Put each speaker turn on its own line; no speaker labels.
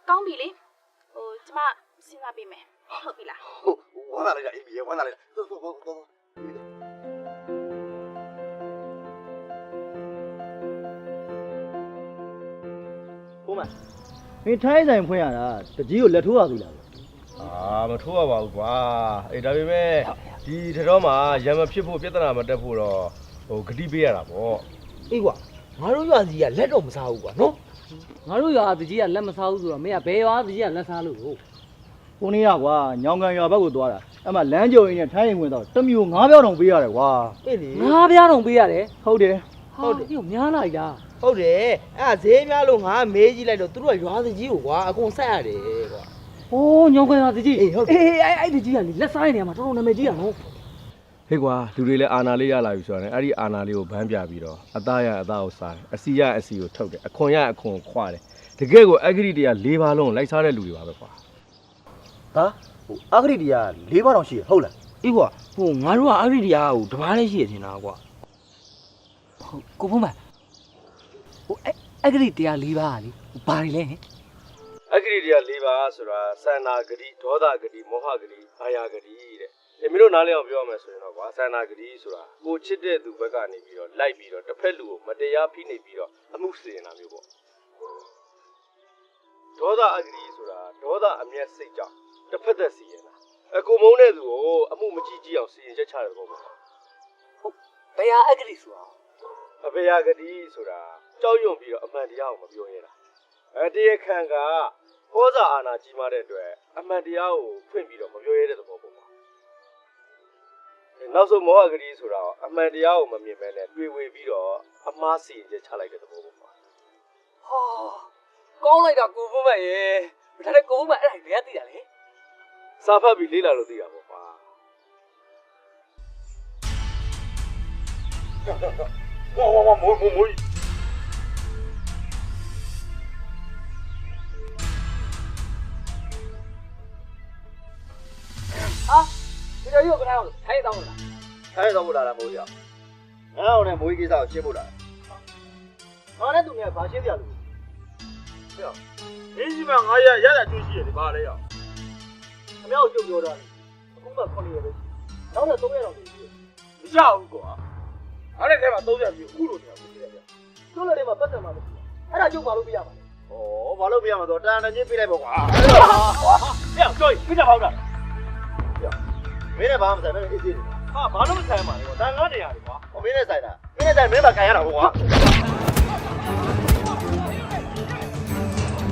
ကောင်းပြီလေကျမစဉ်းစားပေးမယ်ဟုတ်ပြီလား
ဝမ်းသာလိုက်တာအေးပြီဝမ်းသာလိုက်တာတော်
ဘုမမင်းထိုင်းဆိုင်ဖွင့်ရတာတကြီးကိုလက်ထိုးရသေးလား
မထိုးရပါဘူးကွာအေးဒါပေမဲ့ဒီထတော်မှာရံမဖြစ်ဖို့ပြဿနာမတက်ဖို့တော့ဂတိပေးရတာပေါ့
အေးကွာငါတို့ရွာစီကလက်တော့မစားဘူးကွာနော်
ငါတို့ရွာတကြီးကလက်မစားဘူးဆိုတော့မင်းကဘယ်ရွာတကြီးကလက်စားလို့
ကိုနေရကွာညောင်ကန်ရွာဘက်ကိုသွားတာအဲ့မှာလမ်းကြုံရင်းနဲ့ထိုင်းရင်ဝင်တော့တမျိုး9ပြောင်းတောင်ပေးရတယ်ကွာ
အေးလေ
9ပြားတောင်ပေးရတယ်
ဟုတ်တယ်
ဟုတ်တယ်ပြုတ်များလိုက်တာ
ဟုတ်တယ်အဲ့ဈေးများလို့ငါမေးကြည့်လိုက်တော့သူတို့ကရွာတကြီးကိုကွာအကုန်ဆက်ရတယ်ကွာ
ဟိုးညောင်ကန်ရွာတကြီးအေးအဲ့တကြီးကလေလက်စားနေရမှာတော်တော်နာမည်ကြီးရနော်
ဟေးကွာလူတွေလည်းအာနာလေးရလာပြီဆိုတော့အဲ့ဒီအာနာလေးကိုဗန်းပြပြီးတော့အသားရအသားကိုစားတယ်အစီရအစီကိုထုတ်တယ်အခွန်ရအခွန်ခွာတယ်တကယ်ကိုအဂရိတရား၄ပါးလုံးလိုက်စားတဲ့လူတွေပါပဲကွာ
ဟာအဂရိတရား၄ပါးတောင်ရှိရဟုတ်လား
အေးကွာငါတို့ကအဂရိတရားကိုတပားလေးရှိရထင်တာကွာ
ဟုတ်ကိုဖုံးမအဂရိတရား၄ပါးကလေဘာတွေလဲ
အဂရိတရား၄ပါးဆိုတာစန္နာဂတိဒေါသဂတိမောဟဂတိအာယာဂတိတဲ့မင်းတို့နားလည်အောင်ပြောရမယ်ဆိုရင်တော့ကွာစန္နာဂတိဆိုတာကိုချစ်တဲ့သူဘက်ကနေပြီးတော့လိုက်ပြီးတော့တစ်ဖက်လူကိုမတရားဖိနှိပ်ပြီးတော့အမှုစီရင်တာမျိုးပေါ့ဒေါသအဂတိဆိုတာဒေါသအမျက်စိတ်ကြောင့်တစ်ဖက်သက်စီရင်တာကိုမုန်းတဲ့သူကိုအမှုမကြည့်ကြည့်အောင်စီရင်ချက်ချတယ်ပေါ့ဟုတ်
ဘယ်ဟာအဂတိဆိုတာ
အဘေယာဂတိဆိုတာကြောက်ရွံ့ပြီးတော့အမှန်တရားကိုမပြောရတာတရားခံကဟောစာအာဏာကြီးမားတဲ့အတွက်အမှန်တရားကိုဖွင့်ပြီးတော့မပြောရတဲ့သဘောပေါ့နောက်ဆုံးမောဟဂတိဆိုတာအမှန်တရားကိုမမြင်မဲနဲ့တွေ့ဝေပြီးတော့အမှားစီရင်ချက်ချလိုက်တဲ့သဘောပေါ့ဟာ
ကောင်းလိုက်တာကိုဖုံးမရေဒါနဲ့ကိုဖုံးမအဲ့ဒါဘယ်ကသိတာလဲ
စာဖတ်ပြီးလေ့လာလို့သိတာပေါ့ကွာ
ဝါမိုး
ဟာဒီလိုရုပ်ကထားအောင်ထိုင်တောင်းလား
ထိုင်းတော့လာတာမိုးရငါ့အောင်နဲ့မိုးကြီးကိစ္စကိုရှင်းဖို့လာငါနဲ့သူနဲ့ဘာရှင်းပြလို့ဟဲ့မင်းကြီးမငါရတာကျွေးရှိရတယ်ဘာလဲရအမြောက်ကျုပ်ပြောတာအခုမှ9ရက်ပဲနောက်တော့3ရက်တော့ရှိတယ်မရဘူးကွာအဲ့ဒီထဲမှာ30ပြီအခုလိုနေအခုရှိတယ်ဗျကျုပ်လည်းထဲမှာပတ်သက်မှာမရှိဘူးအဲ့ဒါကျုပ်ဘာလို့ပြရမှာလဲဩဘာလို့ပြရမှာတော့တန်တန်ချင်းပြလိုက်ပေါ့ကွာဟဲ့ကျော်ပြကြပါဦးလားမင်းနဲ့ဘာမှမဆိုင်မင်းအေးသေးတယ်ဟာဘာလို့မဆိုင်မှာလဲကွာတန်ကားနေရတယ်ကွာမင်းနဲ့ဆိုင်တာမင်းနဲ့ဆိုင်မင်းမကန်ရတာကွာ